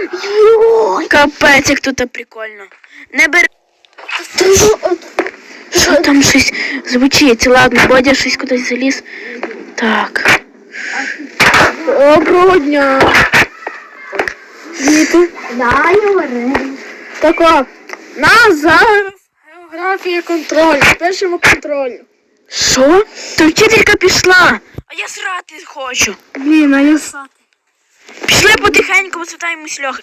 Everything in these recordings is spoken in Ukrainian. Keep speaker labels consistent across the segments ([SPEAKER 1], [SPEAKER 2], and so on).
[SPEAKER 1] Капець, як тут прикольно. Не бери. Що там щось звучить? Ладно, Бодя щось кудись заліз. Так.
[SPEAKER 2] Доброго дня. Діти.
[SPEAKER 3] Да, говори.
[SPEAKER 2] Так от, нас зараз географія контролю. Пишемо контролю.
[SPEAKER 1] Що? То вчителька пішла. А я срати хочу.
[SPEAKER 2] Блін, а я сати.
[SPEAKER 1] Пішли потихеньку, висвітаємось Льохи.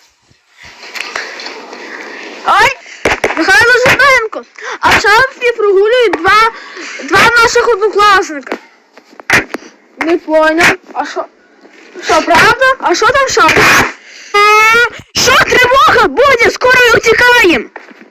[SPEAKER 2] Ой, Михайло Жиденко. А в шафі прогулюють два наших однокласника. Не поняв. А що? Що, правда? А що там в шафі?
[SPEAKER 1] Що, тривога? Бодя, скоро утікаємо.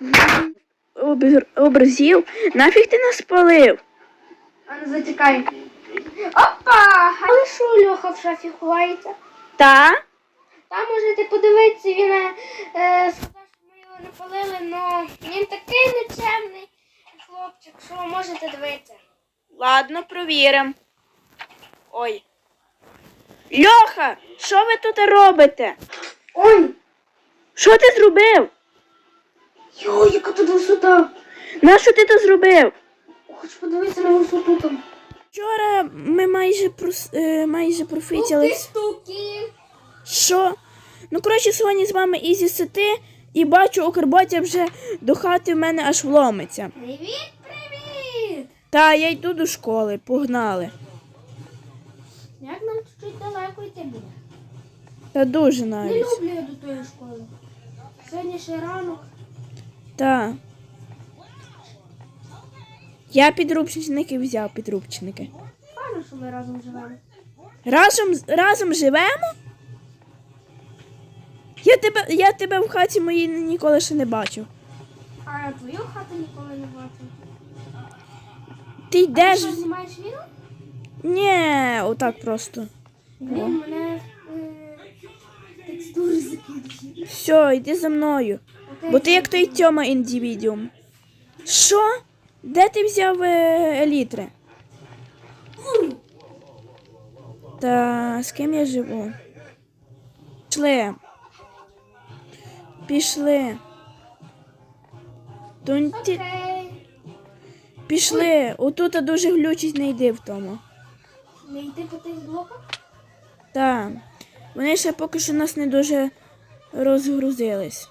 [SPEAKER 1] Образів? Нафіг ти нас спалив?
[SPEAKER 3] А ну зачекай. Опа! Але що Льоха в шафі ховається?
[SPEAKER 1] Та?
[SPEAKER 3] Там можете подивитися, він сказав, що ми його не палили, але він такий нечемний хлопчик, що можете дивитися.
[SPEAKER 1] Ладно, провіримо. Ой. Льоха, що ви тут робите?
[SPEAKER 3] Ой!
[SPEAKER 1] Що ти зробив?
[SPEAKER 3] Йо, яка тут висота!
[SPEAKER 1] Нащо ти то зробив?
[SPEAKER 3] Хочу подивитися на висоту там.
[SPEAKER 1] Вчора ми майже профітіли.
[SPEAKER 3] Штуки!
[SPEAKER 1] Що? Ну, коротше, сьогодні з вами Ізі Сити, і бачу, Укрботя вже до хати в мене аж вломиться.
[SPEAKER 3] Привіт, привіт!
[SPEAKER 1] Та, я йду до школи, погнали.
[SPEAKER 3] Як нам чуть далеко йти буде?
[SPEAKER 1] Та дуже
[SPEAKER 3] Не
[SPEAKER 1] навіть.
[SPEAKER 3] люблю я до тої школи. Сьогодні ще ранок.
[SPEAKER 1] Та. Я підручники взяв, підручники.
[SPEAKER 3] Певно, що ми разом живемо.
[SPEAKER 1] Разом живемо? Я тебе в хаті моїй ніколи ще не бачив.
[SPEAKER 3] А я твою хату ніколи не бачив.
[SPEAKER 1] Ти йдеш?
[SPEAKER 3] Ти що, знімаєш відео?
[SPEAKER 1] Ні, отак просто.
[SPEAKER 3] Блін, мене текстури закінчили.
[SPEAKER 1] Все, йди за мною. Бо ти як той Тьома індивідіум. Що? Де ти взяв елітри? Та з ким я живу? Пішли.
[SPEAKER 3] Окей.
[SPEAKER 1] Пішли. Отут дуже глючить, не йди в тому.
[SPEAKER 3] Не йти по тих блоках?
[SPEAKER 1] Так. Вони ще поки що нас не дуже розгрузились.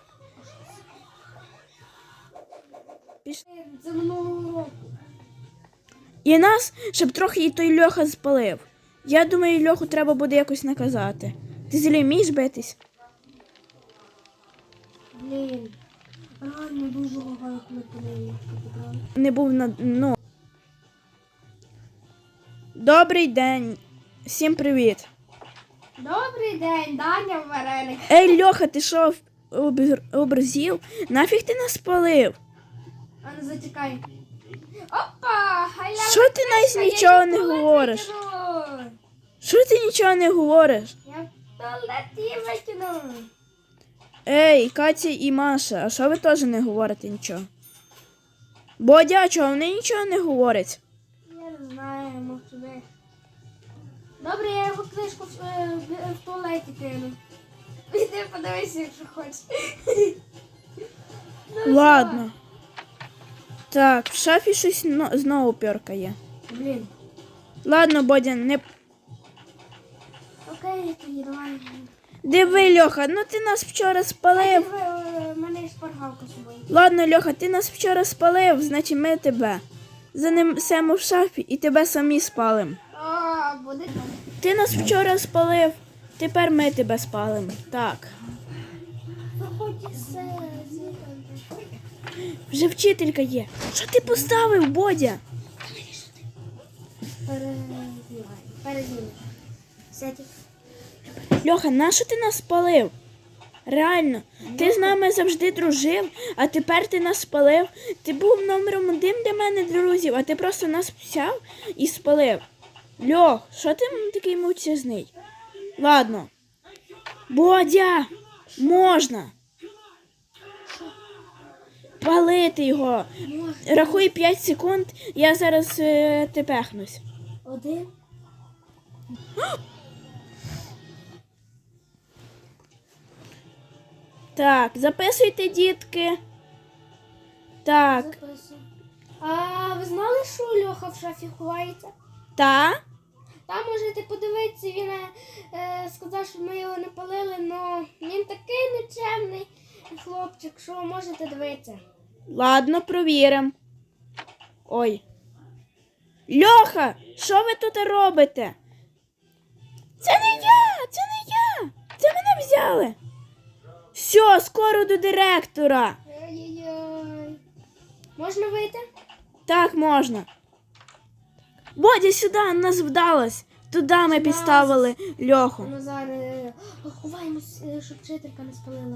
[SPEAKER 3] Це минулого року.
[SPEAKER 1] І нас, щоб трохи і той Льоха спалив. Я думаю, Льоху треба буде якось наказати. Ти зілі вмієш битись?
[SPEAKER 3] Блін. Реально дуже лагаю, коли ти не потрапив.
[SPEAKER 1] Не був на дно. Добрий день. Всім привіт.
[SPEAKER 3] Добрий день, Даня Вареник.
[SPEAKER 1] Ей, Льоха, ти що, образів? Нафіг ти нас спалив?
[SPEAKER 3] А ну зачекай. Опа! Халява
[SPEAKER 1] Що ти
[SPEAKER 3] книжка,
[SPEAKER 1] навіть нічого
[SPEAKER 3] я
[SPEAKER 1] не
[SPEAKER 3] її в туалет
[SPEAKER 1] говориш?
[SPEAKER 3] викину.
[SPEAKER 1] Що ти нічого не говориш?
[SPEAKER 3] Я в туалеті викину.
[SPEAKER 1] Ей, Катя і Маша, а що ви теж не говорите нічого? Бодя, а чого вони нічого не говорять?
[SPEAKER 3] Я не знаю, мовчу. Добре, я його книжку в туалеті кину. Іди подивися, якщо хочеш. Ну,
[SPEAKER 1] Ладно. Так, в шафі щось знову пьоркає.
[SPEAKER 3] що? Блін.
[SPEAKER 1] Ладно, Бодя, не...
[SPEAKER 3] Окей, тоді давай.
[SPEAKER 1] Диви, Льоха, ну ти нас вчора спалив.
[SPEAKER 3] В мене є шпаргалка з собою.
[SPEAKER 1] Ладно, Льоха, ти нас вчора спалив, значить ми тебе. Занесемо в шафі і тебе самі спалим.
[SPEAKER 3] О, буде там.
[SPEAKER 1] Ти нас вчора спалив, тепер ми тебе спалимо. Так.
[SPEAKER 3] Виходь із
[SPEAKER 1] Вже вчителька є. Що ти поставив, Бодя?
[SPEAKER 3] Перезнімай. Сядь.
[SPEAKER 1] Льоха, нащо ти нас спалив? Реально, ти з нами завжди дружив, а тепер ти нас спалив. Ти був номером 1 для мене друзів, а ти просто нас взяв і спалив. Льох, що ти такий мовчазний? Ладно. Бодя, можна. Палити його. Рахуй 5 секунд, я зараз тепехнусь.
[SPEAKER 3] 1.
[SPEAKER 1] Так, записуйте, дітки. Так,
[SPEAKER 3] Записую. А ви знали, що Льоха в шафі ховається?
[SPEAKER 1] та?
[SPEAKER 3] Там можете подивитися, він сказав, що ми його не палили, але він такий нечемний хлопчик, що можете дивитися.
[SPEAKER 1] Ладно, провіримо. Ой. Льоха, що ви тут робите? Це не я! Це не я! Це мене взяли. Все, скоро до директора.
[SPEAKER 3] Ай-яй-яй. Можна вийти?
[SPEAKER 1] Так, можна. Бодя, сюди, нас вдалось. Туди ми підставили Льоху.
[SPEAKER 3] Ну зараз ховаємось, щоб вчителька не спалила.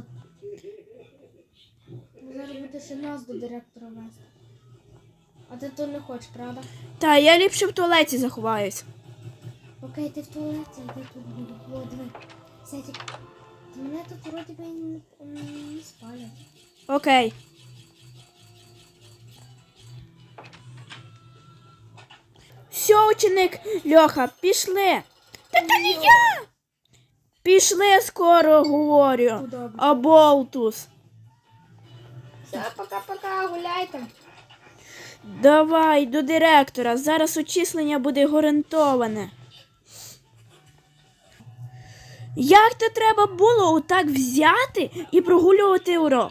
[SPEAKER 3] Зараз буде ще нас до директора вести. А ти то не хочеш, правда?
[SPEAKER 1] Та, я ліпше в туалеті заховаюсь.
[SPEAKER 3] Окей, ти в туалеті, а ти тут буду. О, диви. Сетік, ти мене тут вроді би не спалять.
[SPEAKER 1] Окей. Все, ученик Льоха, пішли. Та не я! Пішли скоро, говорю.
[SPEAKER 3] Ну, добре.
[SPEAKER 1] Аболтус.
[SPEAKER 3] Все, пока-пока, гуляйте.
[SPEAKER 1] Давай до директора. Зараз очислення буде гарантоване. Як то треба було отак взяти і прогулювати урок?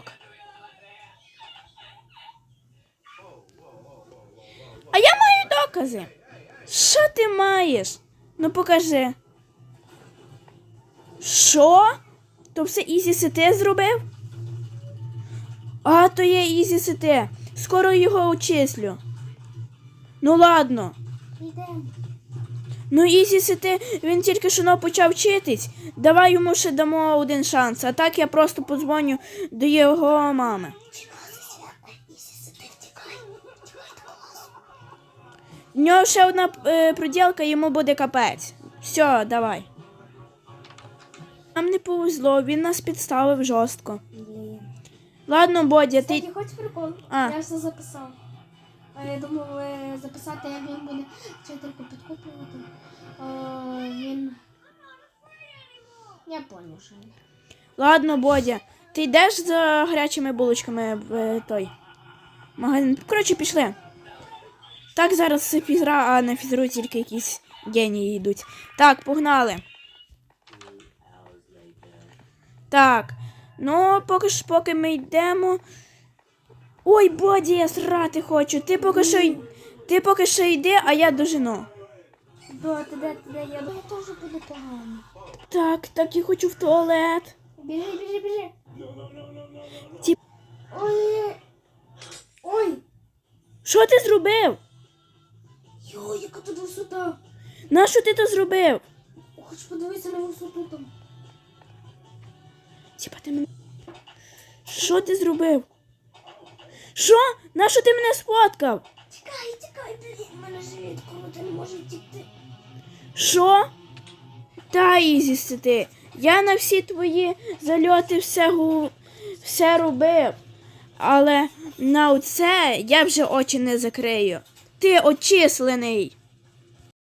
[SPEAKER 1] А я маю докази. Що ти маєш? Ну покажи. Що? То все Ізі Сите зробив? А, то є Ізі Сите. Скоро його очислю. Ну ладно.
[SPEAKER 3] Йдемо.
[SPEAKER 1] Ну Ізі Сите, він тільки що почав вчитись. Давай йому ще дамо один шанс. А так я просто подзвоню до його мами. В нього ще одна проділка, йому буде капець. Все, давай. Нам не повезло, він нас підставив жорстко.
[SPEAKER 3] Блін.
[SPEAKER 1] Ладно, Бодя, ти...
[SPEAKER 3] Кстати, хочеш прикол?
[SPEAKER 1] А.
[SPEAKER 3] Я все записав. А я думав записати, як він буде вчительку підкуплювати. Він... Я поняв, що він.
[SPEAKER 1] Ладно, Бодя, ти йдеш за гарячими булочками в той магазин. Коротше, пішли. Так, зараз фізра, а на фізру тільки якісь генії йдуть. Так, погнали. Так, ну, поки ми йдемо. Ой, Боді, я срати хочу. Ти поки що йди, а я дожену.
[SPEAKER 3] Да, ти де? Я думаю, теж буде погано.
[SPEAKER 1] Так, я хочу в туалет.
[SPEAKER 3] Біжи.
[SPEAKER 1] Ті-
[SPEAKER 3] Ой!
[SPEAKER 1] Що ти зробив?
[SPEAKER 3] Йой, яка тут висота!
[SPEAKER 1] Нащо ти то зробив?
[SPEAKER 3] Хоч подивитися на висоту там.
[SPEAKER 1] Тіпа, ти мене... Що ти зробив? Що? Нащо ти мене сфоткав?
[SPEAKER 3] Тікай, блін, в мене живіт, круто, не може втікти.
[SPEAKER 1] Що? Та, Ізі, ти. Я на всі твої зальоти все робив. Але на оце я вже очі не закрию. Ти очислений.